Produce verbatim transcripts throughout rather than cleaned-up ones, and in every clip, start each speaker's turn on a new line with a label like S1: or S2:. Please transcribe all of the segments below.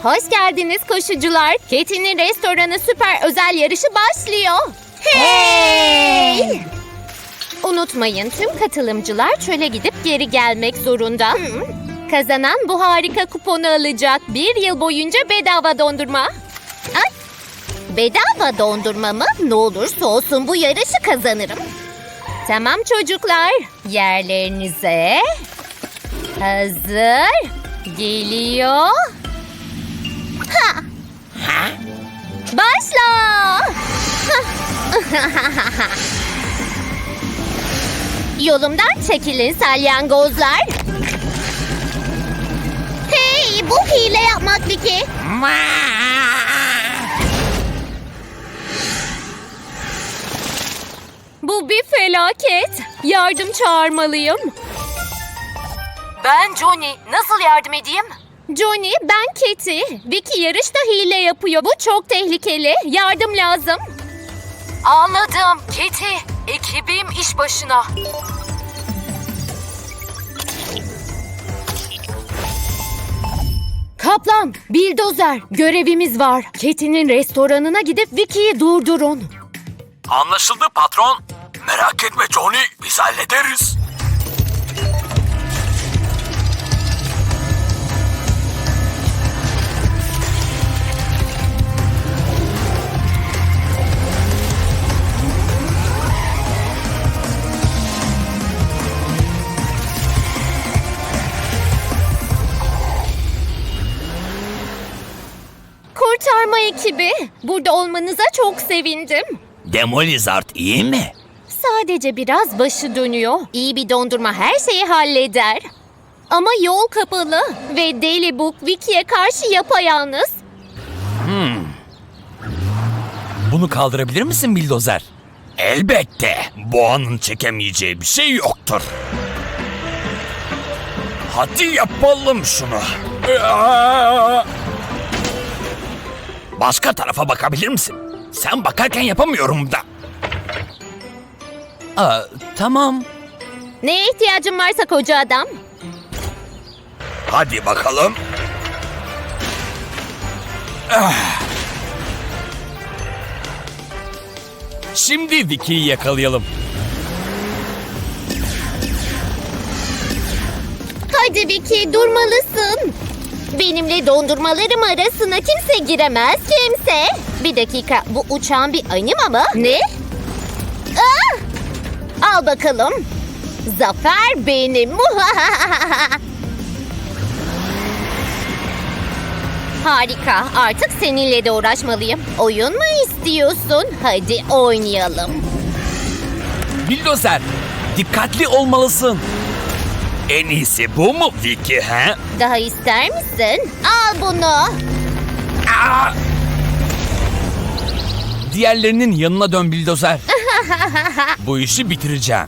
S1: Hoş geldiniz koşucular. Katie'nin restoranı süper özel yarışı başlıyor. Hey! Unutmayın, tüm katılımcılar çöle gidip geri gelmek zorunda. Kazanan bu harika kuponu alacak. Bir yıl boyunca bedava dondurma. Ay, bedava dondurma mı? Ne olursa olsun bu yarışı kazanırım. Tamam çocuklar, yerlerinize. Hazır. Geliyor. Ha. Ha? Başla. Yolumdan çekilin salyangozlar. Hey, bu hile yapmak Vicky. Bu bir felaket. Yardım çağırmalıyım.
S2: Ben Johnny. Nasıl yardım edeyim?
S1: Johnny, ben Katie. Vicky yarışta hile yapıyor. Bu çok tehlikeli. Yardım lazım.
S2: Anladım. Katie, ekibim iş başına.
S1: Kaplan, bildozer, görevimiz var. Katie'nin restoranına gidip Vicky'yi durdurun.
S3: Anlaşıldı patron. Merak etme Johnny, biz hallederiz.
S1: Kurtarma ekibi, burada olmanıza çok sevindim.
S3: Demolizard iyi mi?
S1: Sadece biraz başı dönüyor. İyi bir dondurma her şeyi halleder. Ama yol kapalı ve Deli Book Vicky'ye karşı yapayalnız.
S3: Bunu kaldırabilir misin bildozer? Elbette. Boğanın çekemeyeceği bir şey yoktur. Hadi yapalım şunu. Başka tarafa bakabilir misin? Sen bakarken yapamıyorum da. Aa, tamam.
S1: Neye ihtiyacın varsa koca adam.
S3: Hadi bakalım. Ah. Şimdi Vicky'yi yakalayalım.
S1: Hadi Vicky, durmalısın. Benimle dondurmalarım arasına kimse giremez, kimse. Bir dakika, bu uçağın bir anima mı? Ne? Ah! Al bakalım. Zafer benim. Harika, artık seninle de uğraşmalıyım. Oyun mu istiyorsun? Hadi oynayalım.
S3: Bildozer, dikkatli olmalısın. En iyisi bu mu Vicky he?
S1: Daha ister misin? Al bunu.
S3: Aa! Diğerlerinin yanına dön bildozer. Bu işi bitireceğim.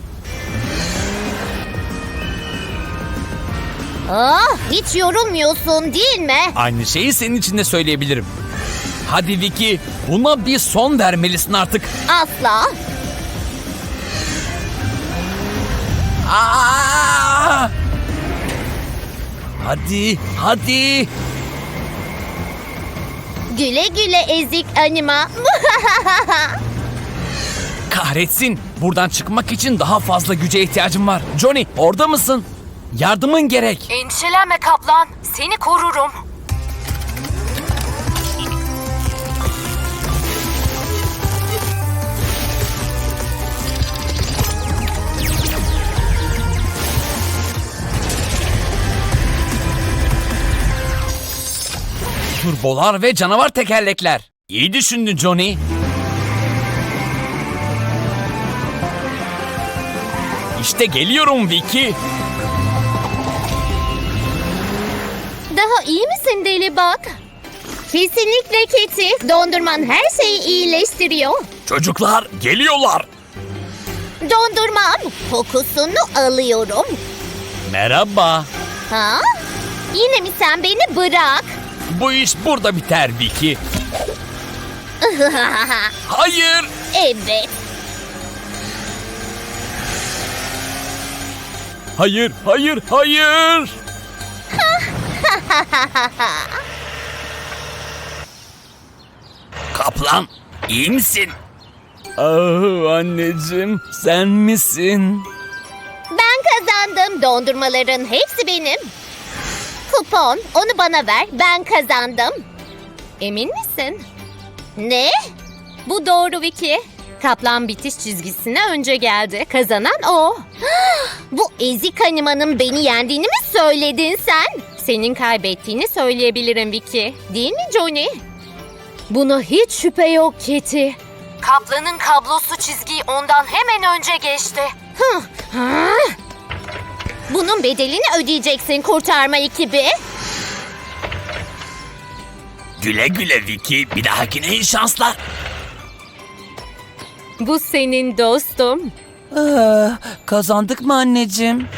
S1: Ah, hiç yorulmuyorsun değil mi?
S3: Aynı şeyi senin için de söyleyebilirim. Hadi Vicky, buna bir son vermelisin artık.
S1: Asla.
S3: Aa! Hadi, hadi.
S1: Güle güle ezik anima.
S3: Kahretsin. Buradan çıkmak için daha fazla güce ihtiyacım var. Johnny, orada mısın? Yardımın gerek.
S2: Endişelenme kaplan. Seni korurum.
S3: Turbolar ve canavar tekerlekler. İyi düşündün Johnny. İşte geliyorum Vicky.
S1: Daha iyi misin deli bak? Kesinlikle Katie. Dondurman her şeyi iyileştiriyor.
S3: Çocuklar geliyorlar.
S1: Dondurmam. Kokusunu alıyorum.
S3: Merhaba.
S1: Ha? Yine mi sen beni bırak?
S3: Bu iş burada biter Vicky. Hayır.
S1: Evet.
S3: Hayır, hayır, hayır.
S4: Kaplan, iyi misin?
S3: Ah anneciğim, sen misin?
S1: Ben kazandım. Dondurmaların hepsi benim. Kupon, onu bana ver. Ben kazandım. Emin misin? Ne? Bu doğru Vicky. Kaplan bitiş çizgisine önce geldi. Kazanan o. Bu ezik animanın beni yendiğini mi söyledin sen? Senin kaybettiğini söyleyebilirim Vicky. Değil mi Johnny? Buna hiç şüphe yok Kitty.
S2: Kaplanın kablosu çizgiyi ondan hemen önce geçti.
S1: Hıh, ha? Bunun bedelini ödeyeceksin kurtarma ekibi.
S4: Güle güle Vicky, bir dahakine iyi şanslar.
S1: Bu senin dostum.
S3: Ah, kazandık mı anneciğim?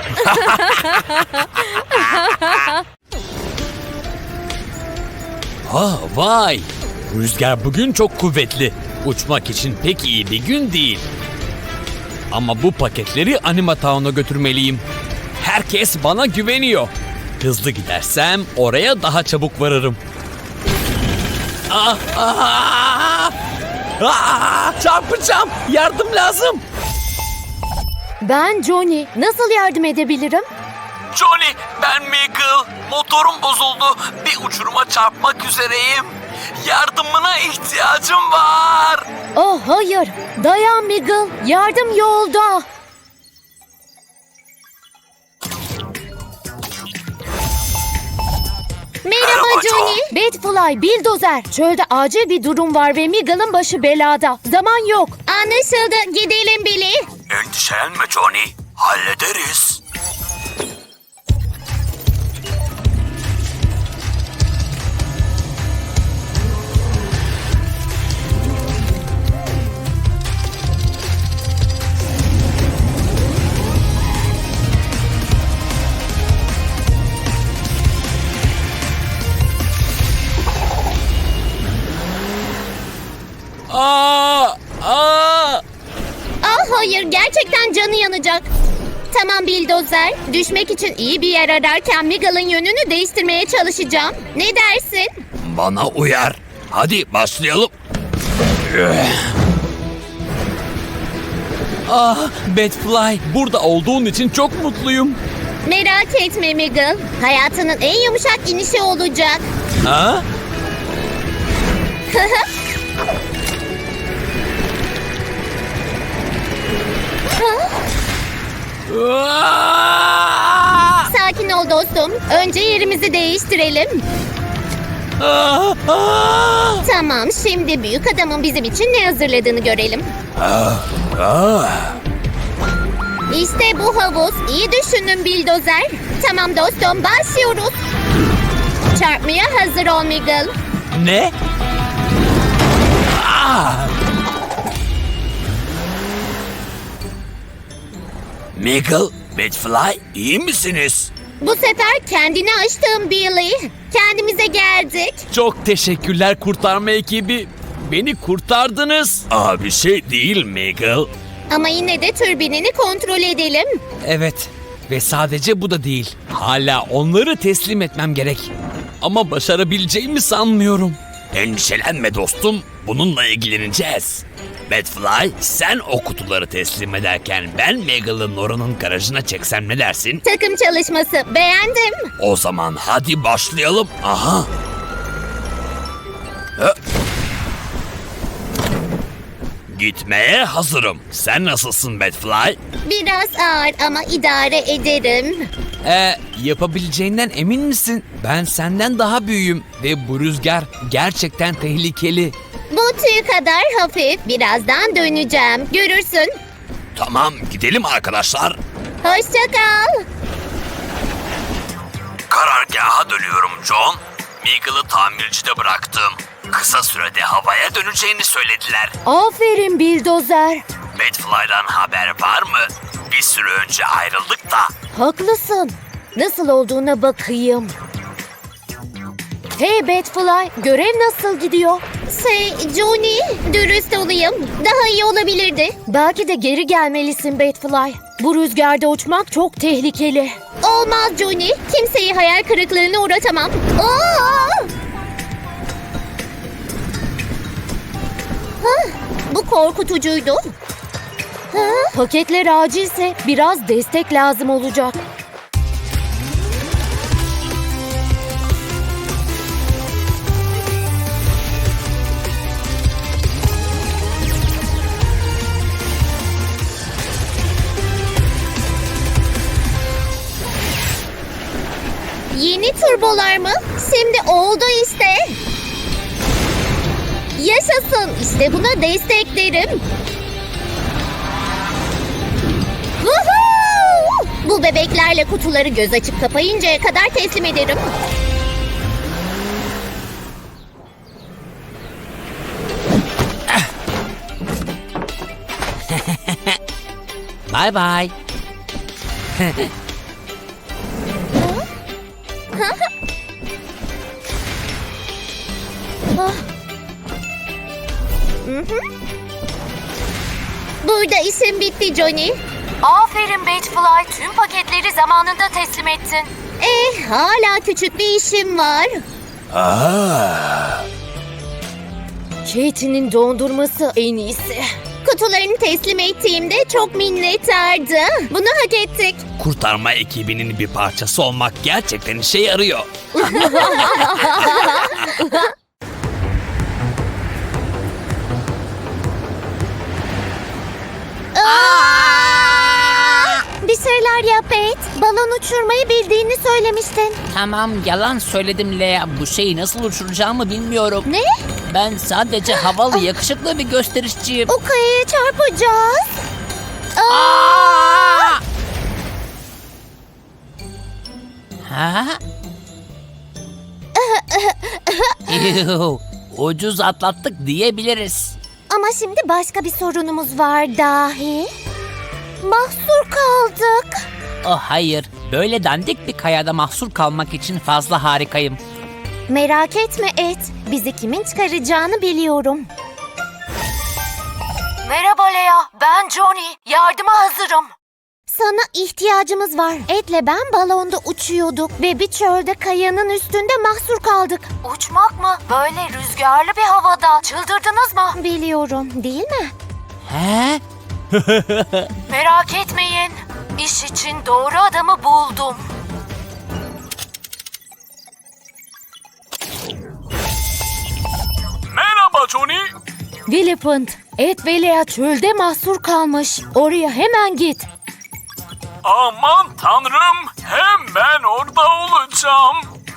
S3: Ha vay! Rüzgar bugün çok kuvvetli. Uçmak için pek iyi bir gün değil. Ama bu paketleri Anima Town'a götürmeliyim. Herkes bana güveniyor. Hızlı gidersem oraya daha çabuk varırım. Ah, ah, ah, çarpacağım. Yardım lazım. Ben Johnny. Nasıl yardım edebilirim?
S4: Johnny, ben Miguel. Motorum bozuldu. Bir uçuruma çarpmak üzereyim. Yardımına ihtiyacım var.
S1: Oh hayır. Dayan Miguel. Yardım yolda. Merhaba
S4: Merhaba
S1: Johnny. Batfly, Bildozer. Çölde acil bir durum var ve Miguel'ın başı belada. Zaman yok. Anlaşıldı. Gidelim Billy.
S4: Endişelenme Johnny. Hallederiz.
S3: Aa, aa.
S1: Ah hayır, gerçekten canı yanacak. Tamam Bildozer, düşmek için iyi bir yer ararken Miguel'ın yönünü değiştirmeye çalışacağım. Ne dersin?
S4: Bana uyar. Hadi başlayalım.
S3: Ah, Batfly, burada olduğun için çok mutluyum.
S1: Merak etme Miguel, hayatının en yumuşak inişi olacak.
S3: Ha? Aa!
S1: Sakin ol dostum, önce yerimizi değiştirelim.
S3: Aa! Aa!
S1: Tamam, şimdi büyük adamın bizim için ne hazırladığını görelim. İşte bu havuz. İyi düşündün Bildozer. Tamam dostum, başlıyoruz. Çarpmaya hazır ol Miguel.
S3: Ne? Aa!
S4: Miguel, Batfly, iyi misiniz?
S1: Bu sefer kendini aştın Billy. Kendimize geldik.
S3: Çok teşekkürler kurtarma ekibi. Beni kurtardınız.
S4: Aa, bir şey değil Miguel.
S1: Ama yine de türbinini kontrol edelim.
S3: Evet ve sadece bu da değil. Hala onları teslim etmem gerek. Ama başarabileceğimi sanmıyorum.
S4: Endişelenme dostum, bununla ilgileneceğiz. Batfly, sen o kutuları teslim ederken ben Miguel'ın oranın garajına çeksem ne dersin?
S1: Takım çalışması. Beğendim.
S4: O zaman hadi başlayalım. Aha. Hı. Gitmeye hazırım. Sen nasılsın Batfly?
S1: Biraz ağır ama idare ederim.
S3: Ee, yapabileceğinden emin misin? Ben senden daha büyüğüm ve bu rüzgar gerçekten tehlikeli.
S1: Bu tüy kadar hafif. Birazdan döneceğim. Görürsün.
S4: Tamam, gidelim arkadaşlar.
S1: Hoşça kal.
S4: Karargaha dönüyorum John. Miguel'ı tamircide bıraktım. Kısa sürede havaya döneceğini söylediler.
S1: Aferin Bildozer.
S4: Batfly'dan haber var mı? Bir süre önce ayrıldık da.
S1: Haklısın. Nasıl olduğuna bakayım. Hey Batfly, görev nasıl gidiyor? Şey, Johnny, dürüst olayım. Daha iyi olabilirdi. Belki de geri gelmelisin Batfly. Bu rüzgarda uçmak çok tehlikeli. Olmaz Johnny. Kimseyi hayal kırıklığına uğratamam. Aa! Bu korkutucuydu. Ha? Paketler acilse biraz destek lazım olacak. Yeni turbolar mı? Şimdi oldu işte. Yaşasın. İşte buna desteklerim. Woohoo! Bu bebeklerle kutuları göz açıp kapayıncaya kadar teslim ederim.
S3: Bye bye. Burada işim bitti Johnny.
S2: Aferin Batefly, tüm paketleri zamanında teslim ettin.
S1: Eh, hala küçük bir işim var. Katie'nin dondurması en iyisi. Kutularını teslim ettiğimde çok minnettardı. Bunu hak ettik.
S4: Kurtarma ekibinin bir parçası olmak gerçekten işe yarıyor.
S1: Bir şeyler yap et. Balon uçurmayı bildiğini söylemiştin.
S5: Tamam, yalan söyledim Lea. Bu şeyi nasıl uçuracağımı bilmiyorum.
S1: Ne?
S5: Ben sadece havalı, yakışıklı bir gösterişçiyim.
S1: O kayaya çarpacağız.
S5: Aa! Ha? Yuh, ucuz atlattık diyebiliriz.
S1: Ama şimdi başka bir sorunumuz var dahi. Mahsur kaldık.
S5: Oh hayır, böyle dandik bir kayada mahsur kalmak için fazla harikayım.
S1: Merak etme Et. Bizi kimin çıkaracağını biliyorum.
S2: Merhaba Lea, ben Johnny. Yardıma hazırım.
S1: Sana ihtiyacımız var. Et'le ben balonda uçuyorduk ve bir çölde kayanın üstünde mahsur kaldık.
S2: Uçmak mı? Böyle rüzgarlı bir havada. Çıldırdınız mı?
S1: Biliyorum, değil mi?
S5: He?
S2: Merak etmeyin. İş için doğru adamı buldum.
S3: Merhaba Johnny.
S1: Willipant, Et ve Lea çölde mahsur kalmış. Oraya hemen git.
S3: Aman tanrım, hemen orada olacağım.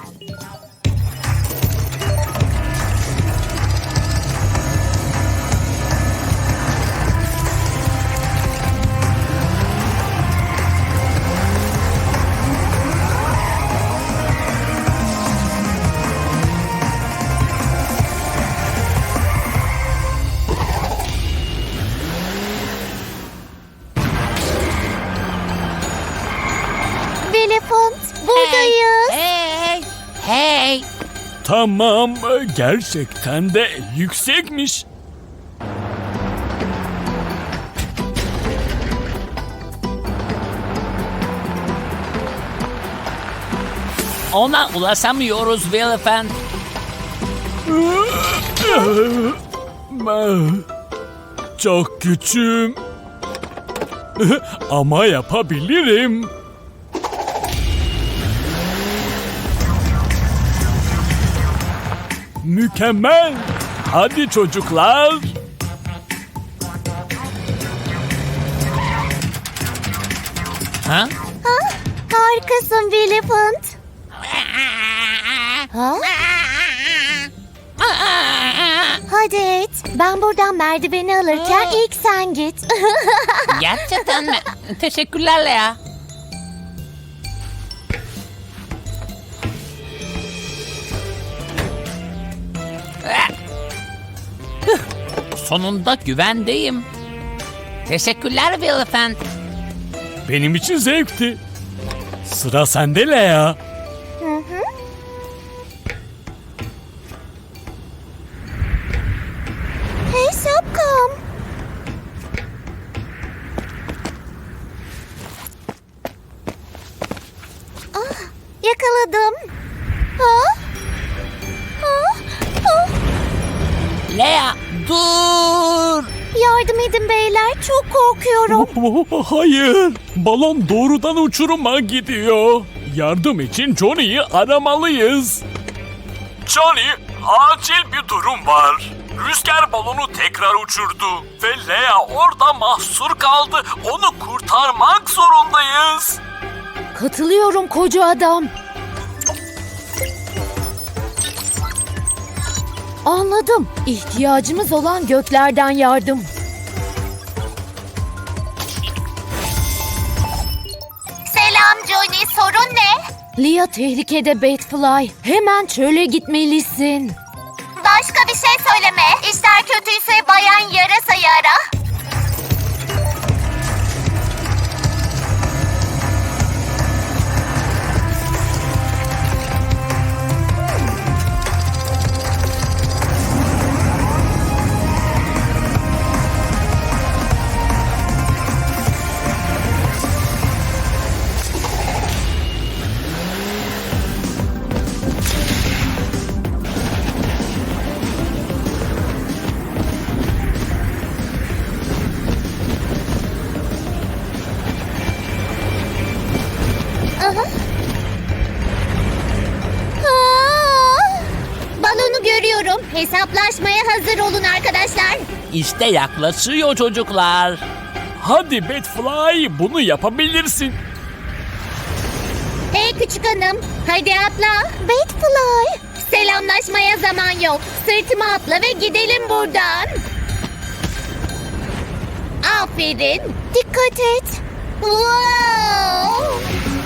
S1: Willipant, buradayız.
S5: Hey! Hey!
S3: Tamam, gerçekten de yüksekmiş.
S5: Ona ulaşamıyoruz Willifant.
S3: Çok küçüğüm. Ama yapabilirim. Mükemmel. Hadi çocuklar.
S5: Ha?
S1: Harikasın Willipant. Ha? Hadi Et. Ben buradan merdiveni alırken ilk sen git.
S5: Gerçekten mi? Teşekkürler Lea. Sonunda güvendeyim. Teşekkürler Willifant.
S3: Benim için zevkti. Sıra sende Lea.
S1: Hey şapkam. Ah, yakaladım. Ha? Ha? Ha?
S5: Lea dur.
S1: yardım edin beyler. Çok korkuyorum.
S3: Hayır, balon doğrudan uçuruma gidiyor. Yardım için Johnny'yi aramalıyız. Johnny, acil bir durum var. Rüzgar balonu tekrar uçurdu ve Lea orada mahsur kaldı. Onu kurtarmak zorundayız.
S1: Katılıyorum koca adam. Anladım. İhtiyacımız olan göklerden yardım.
S2: Selam Johnny, sorun ne?
S1: Lia tehlikede Batfly. Hemen çöle gitmelisin.
S2: Başka bir şey söyleme. İşler kötüyse Bayan Yarasa'yı ara.
S1: Aa! Balonu görüyorum. Hesaplaşmaya hazır olun arkadaşlar.
S5: İşte yaklaşıyor çocuklar.
S3: Hadi Batfly, bunu yapabilirsin.
S1: Hey küçük hanım, hadi atla. Batfly. Selamlaşmaya zaman yok. Sırtıma atla ve gidelim buradan. Aferin. Dikkat et. Wow!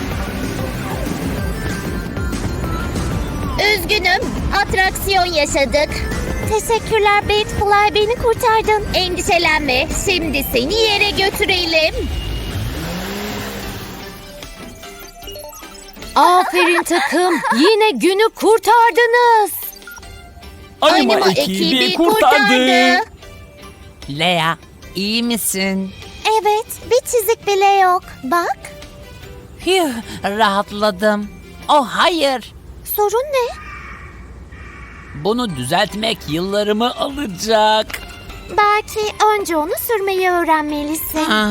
S1: Üzgünüm, atraksiyon yaşadık. Teşekkürler Batfly, beni kurtardın. Endişelenme, şimdi seni yere götürelim. Aferin takım, yine günü kurtardınız.
S3: Anima,
S1: Anima
S3: ekibi,
S1: ekibi
S3: kurtardı.
S1: kurtardı.
S5: Lea, iyi misin?
S1: Evet, bir çizik bile yok. Bak,
S5: Hüh, rahatladım. Oh hayır.
S1: sorun ne?
S5: Bunu düzeltmek yıllarımı alacak.
S1: Belki önce onu sürmeyi öğrenmelisin.
S5: Ah.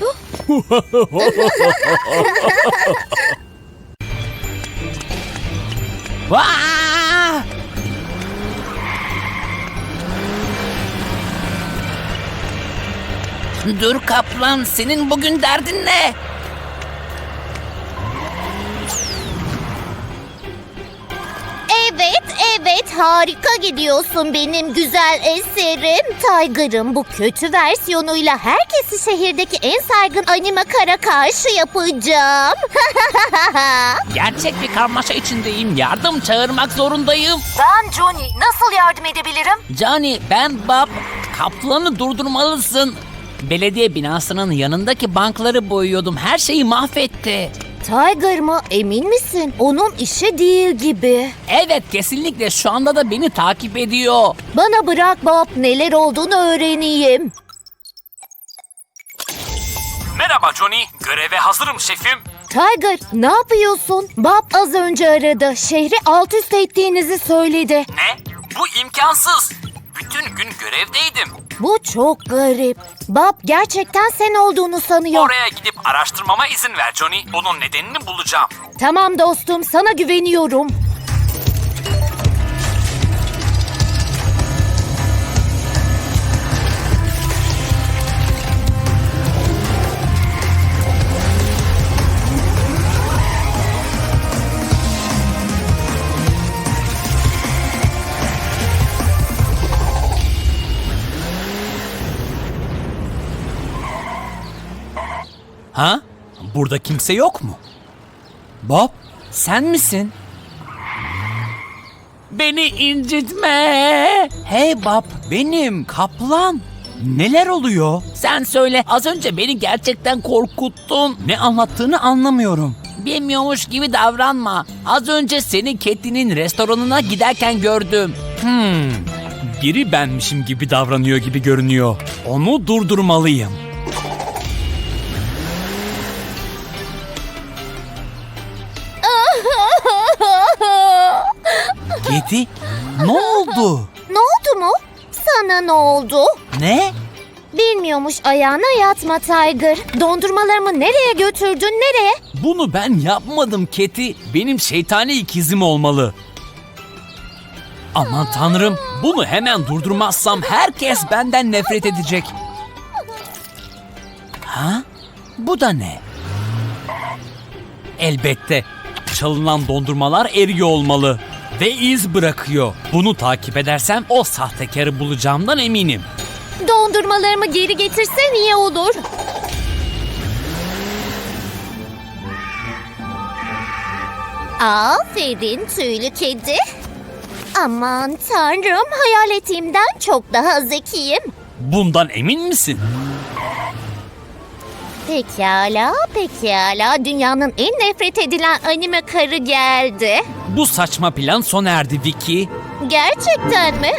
S5: Vaa! Dur kaplan, senin bugün derdin ne?
S1: Evet, evet, harika gidiyorsun benim güzel eserim. Tiger'ın bu kötü versiyonuyla herkesi şehirdeki en saygın anime kara karşı yapacağım.
S5: Gerçek bir karmaşa içindeyim. Yardım çağırmak zorundayım.
S2: Ben Johnny, nasıl yardım edebilirim?
S5: Johnny, ben Bob. Kaplanı durdurmalısın. Belediye binasının yanındaki bankları boyuyordum. Her şeyi mahvetti.
S1: Tiger mı? Emin misin? Onun işi değil gibi.
S5: Evet, kesinlikle şu anda da beni takip ediyor.
S1: Bana bırak Bob, neler olduğunu öğreneyim.
S3: Merhaba Johnny, göreve hazırım şefim.
S1: Tiger, ne yapıyorsun? Bob az önce aradı. Şehri alt üst ettiğinizi söyledi.
S3: Ne? Bu imkansız. Bütün gün görevdeydim.
S1: Bu çok garip. Bob gerçekten sen olduğunu sanıyor.
S3: Oraya gidip araştırmama izin ver Johnny. Bunun nedenini bulacağım.
S1: Tamam dostum, sana güveniyorum.
S3: Ha? Burada kimse yok mu? Bob?
S5: Sen misin? Beni incitme. Hey Bob, benim kaplan. Neler oluyor? Sen söyle. Az önce beni gerçekten korkuttun. Ne anlattığını anlamıyorum. Bilmiyormuş gibi davranma. Az önce seni Katie'nin restoranına giderken gördüm.
S3: Hmm, biri benmişim gibi davranıyor gibi görünüyor. Onu durdurmalıyım.
S5: Katie, ne oldu?
S1: Ne oldu mu? Sana ne oldu?
S5: Ne?
S1: Bilmiyormuş ayağına yatma Tiger. Dondurmalarımı nereye götürdün, nereye?
S5: Bunu ben yapmadım Keti. Benim şeytani ikizim olmalı. Aman tanrım, bunu hemen durdurmazsam herkes benden nefret edecek. Ha? Bu da ne? Elbette. Çalınan dondurmalar eriyor olmalı. Ve iz bırakıyor. Bunu takip edersem o sahtekarı bulacağımdan eminim.
S1: Dondurmalarımı geri getirsen iyi olur. Aferin tüylü kedi. Aman tanrım, hayal ettiğimden çok daha zekiyim.
S5: Bundan emin misin?
S1: Pekala, pekala. Dünyanın en nefret edilen anime karı geldi.
S5: Bu saçma plan sona erdi Vicky.
S1: Gerçekten mi?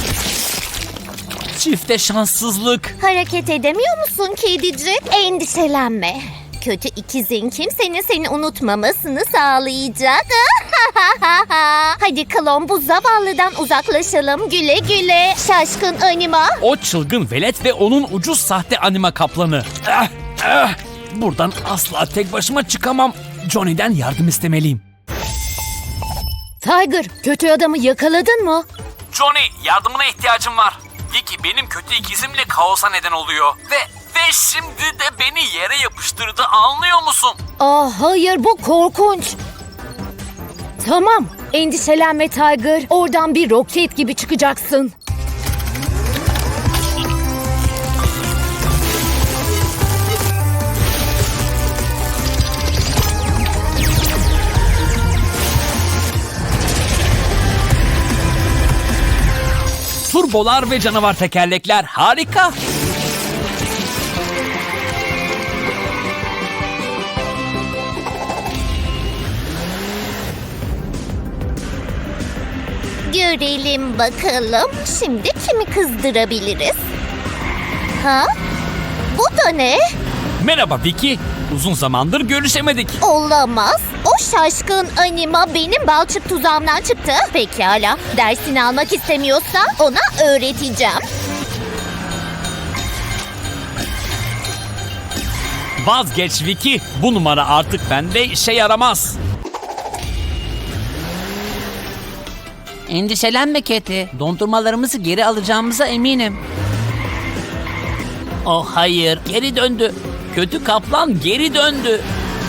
S5: Çifte şanssızlık.
S1: Hareket edemiyor musun kedicik? Endişelenme. Kötü ikizin kimsenin seni unutmamasını sağlayacak. Hadi klon, bu zavallıdan uzaklaşalım. Güle güle şaşkın anima.
S5: O çılgın velet ve onun ucuz sahte anima kaplanı. Ah, ah. Buradan asla tek başıma çıkamam. Johnny'den yardım istemeliyim.
S1: Tiger, kötü adamı yakaladın mı?
S5: Johnny, yardımına ihtiyacım var. Vicky benim kötü ikizimle kaosa neden oluyor. Ve ve şimdi de beni yere yapıştırdı, anlıyor musun?
S1: Aa, hayır, bu korkunç. Tamam, endişelenme Tiger. Oradan bir roket gibi çıkacaksın.
S5: Turbolar ve canavar tekerlekler harika.
S1: Görelim bakalım. Şimdi kimi kızdırabiliriz? Ha? Bu da ne?
S5: Merhaba Vicky. Uzun zamandır görüşemedik.
S1: Olamaz. O şaşkın anima benim balçık tuzağımdan çıktı. Pekala. Dersini almak istemiyorsa ona öğreteceğim.
S5: Vazgeç Vicky. Bu numara artık bende işe yaramaz.
S6: Endişelenme Keti. Dondurmalarımızı geri alacağımıza eminim.
S5: Oh hayır, geri döndü. Kötü kaplan geri döndü.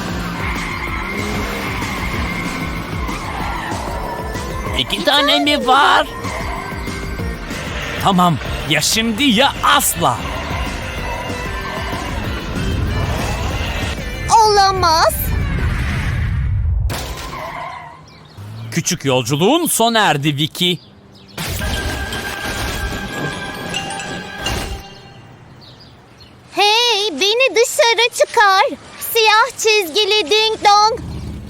S5: İki tane mi var? Tamam, ya şimdi ya asla.
S1: Olamaz.
S5: Küçük yolculuğun sona erdi Vicky.
S1: Hey, beni dışarı çıkar. Siyah çizgili ding dong.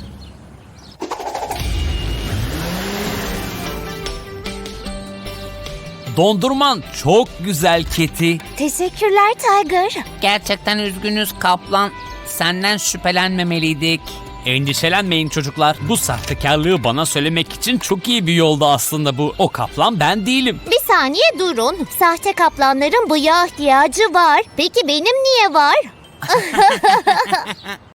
S5: Dondurman çok güzel Keti.
S1: Teşekkürler Tiger.
S6: Gerçekten üzgünüz kaplan. Senden şüphelenmemeliydik.
S5: Endişelenmeyin çocuklar. Bu sahtekarlığı bana söylemek için çok iyi bir yoldu aslında bu. O kaplan ben değilim.
S1: Bir saniye durun. Sahte kaplanların bıyığa ihtiyacı var. Peki benim niye var?